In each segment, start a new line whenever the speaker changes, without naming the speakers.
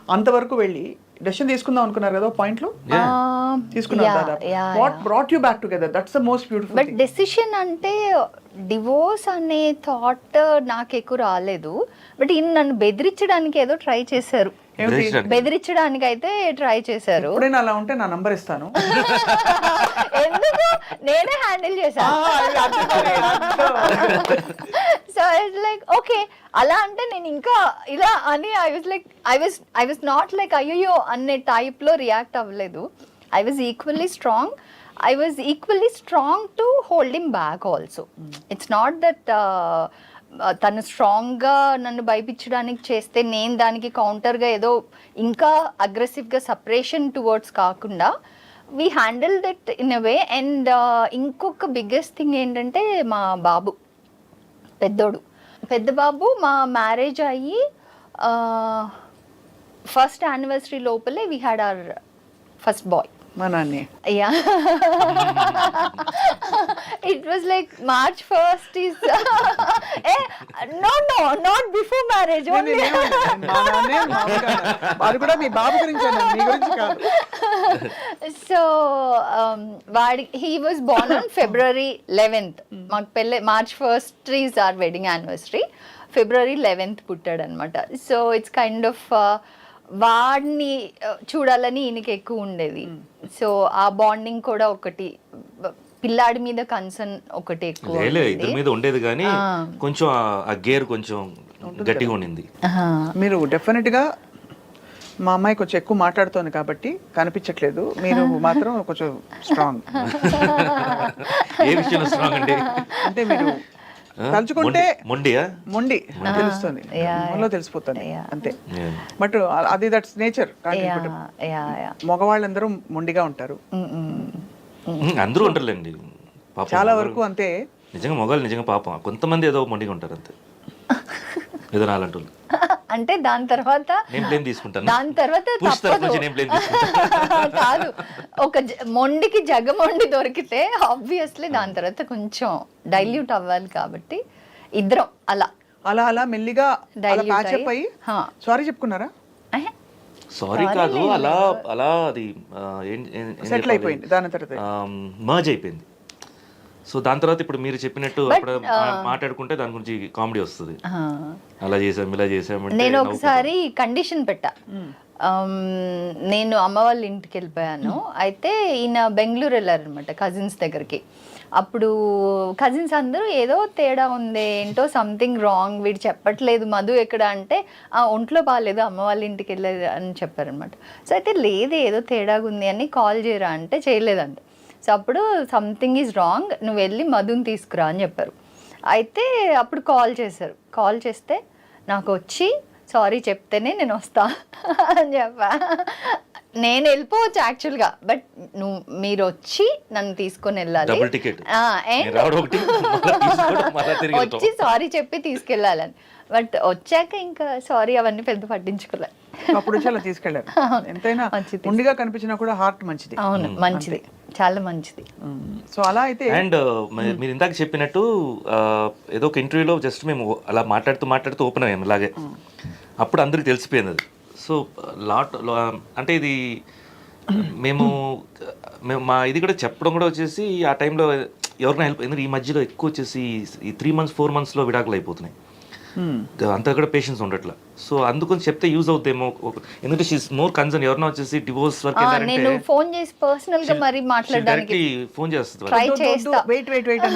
అంతవరకు వెళ్ళి డెసిషన్ తీసుకుందాం అనుకున్నారు కదా పాయింట్లో తీసుకున్నారు దాదాపు. What brought you back together? That's the most beautiful
but decision అంటే డివోర్స్ అనే థాట్ నాకు ఎక్కువ రాలేదు. బట్ ఈయన నన్ను బెదిరించడానికి ఏదో ట్రై చేశారు. బెదిరించడానికి అయితే ట్రై చేశారు.
ఎప్పుడైనా అలా ఉంటే నా నంబర్ ఇస్తాను.
ఎందుకు, నేనే హ్యాండిల్ చేశాను. సో ఇట్స్ లైక్ ఓకే, అలా అంటే నేను ఇంకా ఇలా అని ఐ వాజ్ నాట్ లైక్ అయ్యో అనే టైప్ లో రియాక్ట్ అవ్వలేదు. I was equally strong to hold him back also. It's not that తను స్ట్రాంగ్గా నన్ను భయపించడానికి చేస్తే నేను దానికి కౌంటర్గా ఏదో ఇంకా అగ్రెసివ్గా సపరేషన్ టువర్డ్స్ కాకుండా we handle that in a way. And ఇంకొక బిగ్గెస్ట్ థింగ్ ఏంటంటే మా బాబు పెద్ద బాబు మా మ్యారేజ్ అయ్యి ఫస్ట్ యానివర్సరీ లోపలే we had our first boy.
మా నాన్న.
Yeah. It was like March 1st is no, not before marriage only.
అది కూడా మీ బాబు గురించి మీ గురించి కాదు.
So he was born on February 11th. మాకు పెళ్ళి March 1st is our wedding anniversary. February 11th పుట్టాడు అనమాట. So it's kind of వాడిని చూడాలని ఈయనకి ఎక్కువ ఉండేది. సో ఆ బాండింగ్ కూడా ఒకటి, పిల్లాడి మీద కన్సర్న్ ఒకటి ఎక్కువ
ఇద్దరి మీద ఉండేది, కానీ కొంచెం ఆ గేర్ కొంచెం గట్టిగా ఉండింది.
మీరు డెఫినెట్ గా మా అమ్మాయి కొంచెం ఎక్కువ మాట్లాడుతోంది కాబట్టి కనిపించట్లేదు, మీరు మాత్రం కొంచెం స్ట్రాంగ్.
ఏ విషయంలో స్ట్రాంగ్ అండి?
అంటే మీరు తలుచుకుంటే
మొండి
తెలుస్తుంది, మనలో తెలిసిపోతుంది అంతే. బట్ అది దట్స్ నేచర్. మగవాళ్ళందరూ మొండిగా ఉంటారు,
అందరూ ఉంటారులేండి,
చాలా వరకు అంతే.
నిజంగా మగవాళ్ళు నిజంగా పాపం కొంతమంది ఏదో మొండిగా ఉంటారు అంతే, ఏదో నాలంటూ.
అంటే దాని తర్వాత కాదు, ఒక మొండికి జగమొండి దొరికితే ఆబ్వియస్లీ దాని తర్వాత కొంచెం డైల్యూట్ అవ్వాలి. కాబట్టి ఇద్దరం అలా
అలా అలా మెల్లిగా ప్యాచప్ అయ్యి సారీ చెప్పుకున్నారా?
సారీ కాదు, అలా అలా అది
సెటిల్ అయిపోయింది, దాని తర్వాత
మర్జ్ అయిపోయింది. సో దాని తర్వాత ఇప్పుడు మీరు చెప్పినట్టు అప్పుడు మాట్లాడుకుంటే దాని గురించి కామెడీ వస్తుంది, అలా చేసాం ఇలా చేసాం.
నేను ఒకసారి కండిషన్ పెట్టా, నేను అమ్మ వాళ్ళ ఇంటికి వెళ్ళిపోయాను. అయితే ఈయన బెంగళూరు వెళ్ళారనమాట కజిన్స్ దగ్గరికి. అప్పుడు కజిన్స్ అందరూ ఏదో తేడా ఉంది, ఏంటో సంథింగ్ రాంగ్, వీడు చెప్పట్లేదు మధు ఎక్కడ అంటే ఒంట్లో బాగాలేదు అమ్మ వాళ్ళ ఇంటికి వెళ్ళేది అని చెప్పారనమాట. సో అయితే లేదు ఏదో తేడాగా ఉంది అని కాల్ చేయరా అంటే చేయలేదంట. సో అప్పుడు సంథింగ్ ఈజ్ రాంగ్, నువ్వు వెళ్ళి మధుని తీసుకురా అని చెప్పారు. అయితే అప్పుడు కాల్ చేశారు. కాల్ చేస్తే నాకు వచ్చి సారీ చెప్తేనే నేను వస్తా అని చెప్పా. నేను వెళ్ళిపోవచ్చు యాక్చువల్గా, బట్ మీరు వచ్చి నన్ను తీసుకొని వెళ్ళాలి, వచ్చి సారీ చెప్పి తీసుకెళ్ళాలని. బట్ వచ్చాక ఇంకా సారీ అవన్నీ పెద్ద పట్టించుకోలే.
అప్పుడు చాలా తీసుకెళ్ళారు. ఎంతైనా ముందుగా కనిపించినా కూడా హార్ట్ మంచిది.
అవును, మంచిది, చాలా మంచిది.
సో అలా అయితే.
అండ్ మీరు ఇందాక చెప్పినట్టు ఏదో ఒక ఇంటర్వ్యూలో జస్ట్ మేము అలా మాట్లాడుతూ ఓపెన్ అయ్యాము ఇలాగే, అప్పుడు అందరికి తెలిసిపోయింది అది. సో అంటే ఇది మేము మా ఇది కూడా చెప్పడం కూడా వచ్చేసి ఆ టైంలో ఎవరికైనా హెల్ప్, ఎందుకంటే ఈ మధ్యలో ఎక్కువ వచ్చేసి ఈ 3 months 4 months విడాకులు అయిపోతున్నాయి, అంతా కూడా పేషెన్స్ ఉండట్లా. సో అందుకని చెప్తే యూజ్ అవుతాయేమో, ఎందుకంటే షీస్ మోర్ కన్సర్న్. ఎవరైనా వచ్చేసి డివోర్స్ వరకు
నేను ఫోన్ చేసి పర్సనల్ గా మరి మాట్లాడడానికి
ఫోన్ చేస్తుంది,
ట్రై చేస్తా.
వెయిట్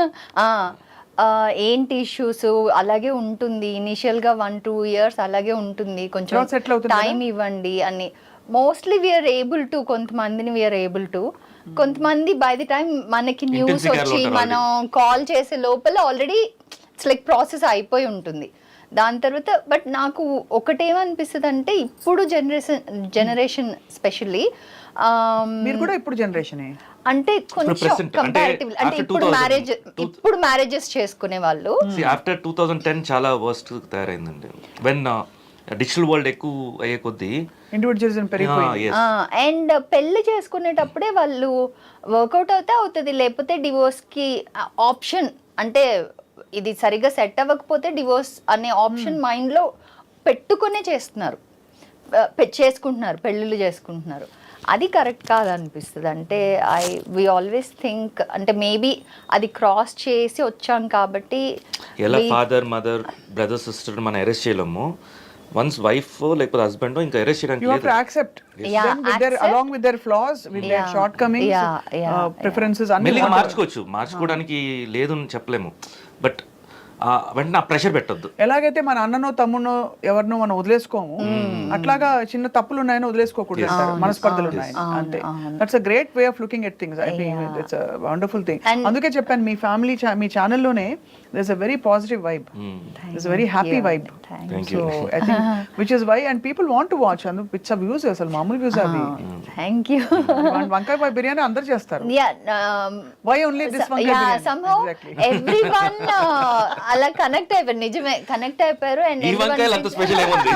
ఏంటి ఇష్యూస్ అలాగే ఉంటుంది, ఇనిషియల్గా 1-2 years అలాగే ఉంటుంది, కొంచెం టైం ఇవ్వండి అని. మోస్ట్లీ వీఆర్ ఏబుల్ టు, కొంతమందిని వీఆర్ ఏబుల్ టు, కొంతమంది బై ది టైం మనకి న్యూస్ వచ్చి మనం కాల్ చేసే లోపల ఆల్రెడీ ఇట్స్ లైక్ ప్రాసెస్ అయిపోయి ఉంటుంది. దాని తర్వాత బట్ నాకు ఒకటేమనిపిస్తుంది అంటే ఇప్పుడు జనరేషన్ స్పెషల్లీ
మీరు కూడా ఇప్పుడు జనరేషనే
అంటే కొంచెం కంపారిటివ్, అంటే ఇప్పుడు మ్యారేజెస్ చేసుకునే వాళ్ళు
ఆఫ్టర్ 2010 చాలా వర్స్ట్ తయారైందండి. వెన్ డిజిటల్ వరల్డ్ ఎక్కువ అయ్యే కొద్దీ
ఇండివిజువలిజం పెరిగిపోయింది.
అండ్ పెళ్లి చేసుకునేటప్పుడే వాళ్ళు వర్కౌట్ అవుతుంది, లేకపోతే డివోర్స్ కి ఆప్షన్, అంటే ఇది సరిగ్గా సెట్ అవ్వకపోతే డివోర్స్ అనే ఆప్షన్ మైండ్ లో పెట్టుకునే చేస్తున్నారు. చేసుకుంటున్నారు, పెళ్ళిళ్ళు చేసుకుంటున్నారు. అది కరెక్ట్ కాదనిపిస్తుంది. అంటే వి ఆల్వేస్ థింక్ అంటే మేబీ అది క్రాస్ చేసి వచ్చాం కాబట్టి
ఎలా ఫాదర్ మదర్ బ్రదర్ సిస్టర్ మనం అరెస్ట్ చేయలేము, వన్స్ వైఫ్ లేకపోతే హస్బెండ్ ఇంకా అరెస్ట్ చేయడానికి
You have to accept them with their, along with their flaws, with their shortcomings, preferences, అన్ని
మెల్లిగా మార్చుకోవడానికి లేదు అని చెప్పలేము, బట్ వెంటనే ఆ ప్రెషర్ పెట్టొద్దు.
ఎలాగైతే మన అన్ననో తమ్మునో ఎవరినో మనం వదిలేసుకోము, అట్లాగా చిన్న తప్పులు ఉన్నాయని వదిలేసుకోకూడదు అంటారు, మనస్పర్ధలు ఉన్నాయని, అంతే. That's a great way of looking at things. I think it's a wonderful thing. అందుకే చెప్పాను మీ ఫ్యామిలీ మీ ఛానల్లోనే there's a very positive vibe, there's a very happy vibe.
Thank
So I think which is why and people want to watch and పిచ్చ views అసలు మామూలు views అవి.
Thank you.
వంకాయ బాయ్ బిర్యానీ అందరూ చేస్తారు, why only this వంకాయ biryani?
somehow everyone అలా connect అయిపోయారు, నిజమే కనెక్ట్ అయిపోయారు. అండ్
ఈ వంకాయలు అంత స్పెషల్ ఏముంది?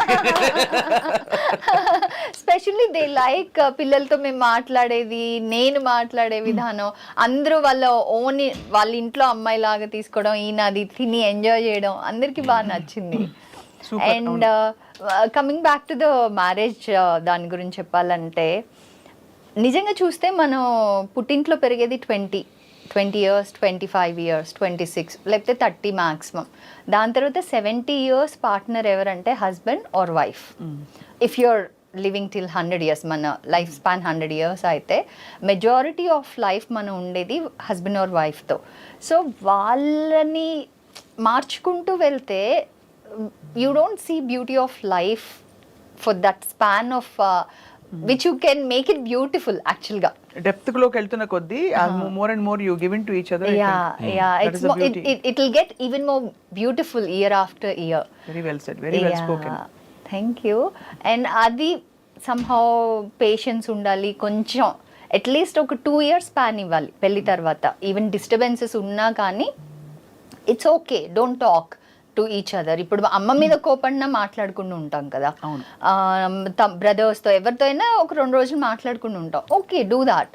స్పెషల్లీ దే లైక్ పిల్లలతో మేము మాట్లాడేది, నేను మాట్లాడే విధానం, అందరూ వాళ్ళ ఇంట్లో అమ్మాయి లాగా తీసుకోవడం, ఈయన అది తిని ఎంజాయ్ చేయడం అందరికి బాగా నచ్చింది. And coming back to the marriage, దాని గురించి చెప్పాలంటే నిజంగా చూస్తే మనం పుట్టింట్లో పెరిగేది 20 years, 25 years, 26 లేకపోతే 30 మ్యాక్సిమం. దాని తర్వాత 70 years పార్ట్నర్ ఎవరంటే husband or wife. If you're living till 100 years, మన లైఫ్ స్పాన్ 100 years అయితే మెజారిటీ ఆఫ్ లైఫ్ మనం ఉండేది హస్బెండ్ ఆర్ వైఫ్తో. సో వాళ్ళని మార్చుకుంటూ వెళ్తే you don't see beauty of life for that span of which you can make it beautiful యాక్చువల్గా.
Depth లోకి వెళ్తున్న కొద్దీ more and more you give into each other.
It will get even more beautiful year after year.
Very well said, very well spoken.
Thank you. And అది somehow patience ఉండాలి కొంచెం, at least ఒక 2 years span ఇవ్వాలి పెళ్లి తర్వాత. Even disturbances ఉన్నా కానీ it's okay, don't talk to each other. ఇప్పుడు అమ్మ మీద కోపడినా మాట్లాడుకుంటూ ఉంటాం కదా, బ్రదర్స్తో ఎవరితో అయినా ఒక 2 రోజులు మాట్లాడుకుంటూ ఉంటాం, ఓకే డూ దాట్.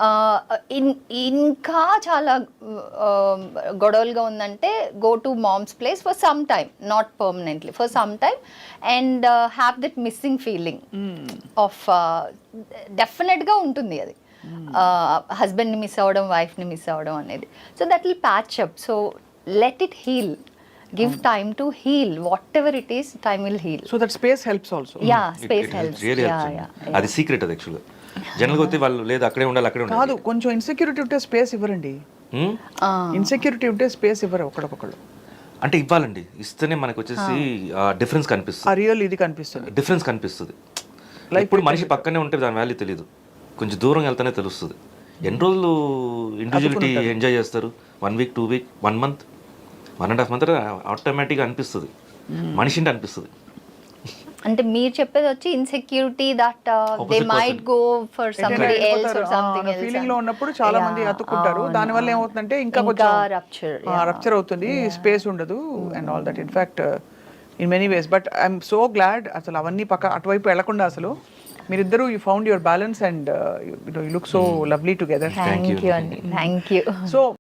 ఇంకా చాలా గొడవలుగా ఉందంటే go to mom's place for some time, not permanently, for some time, and have that missing feeling of, డెఫినెట్గా ఉంటుంది అది, హస్బెండ్ని మిస్ అవ్వడం, వైఫ్ని మిస్ అవ్వడం అనేది. So that will patch up. So let it heal, give time to heal, whatever it is, time will heal.
So that space helps also.
Yeah, space helps.
Really helps. అది secret అది యాక్చువల్గా. జనరల్గా అయితే వాళ్ళు లేదు అక్కడే ఉండాలి అక్కడే ఉండాలి
కాదు, కొంచెం ఇన్సెక్యూరిటీ ఉంటే స్పేస్ ఇవ్వరండి. ఇన్సెక్యూరిటీ ఉంటే స్పేస్ ఇవ్వరు ఒకళ్ళొకళ్ళు.
అంటే ఇవ్వాలండి, ఇస్తేనే మనకు వచ్చేసి డిఫరెన్స్ కనిపిస్తుంది,
ఆ రియల్ ఇది కనిపిస్తుంది,
డిఫరెన్స్ కనిపిస్తుంది. ఇప్పుడు మనిషి పక్కనే ఉంటే దాని వాల్యూ తెలియదు, కొంచెం దూరం వెళ్తేనే తెలుస్తుంది. ఎన్ని రోజులు ఇండివిజువలిటీ ఎంజాయ్ చేస్తారు? 1 week, 2 weeks, 1 month, 1.5 months ఆటోమేటిక్గా అనిపిస్తుంది, మనిషింటి అనిపిస్తుంది.
అంటే మీరు చెప్పేది వచ్చి insecurity that they might go for somebody else or something else
feeling లో ఉన్నప్పుడు చాలా మంది అతుక్కుంటారు. దాని వల్ల ఏమవుతుందంటే ఇంకా కొంచెం రప్చర్ అవుతుంది, స్పేస్ ఉండదు and all that. In fact in many ways, but I'm so glad అసలు అవన్నీ అటువైపు వెళ్లకుండా అసలు మీరిద్దరూ you found your balance and you look so lovely together.
Thank you అండి, థ్యాంక్ యూ.
సో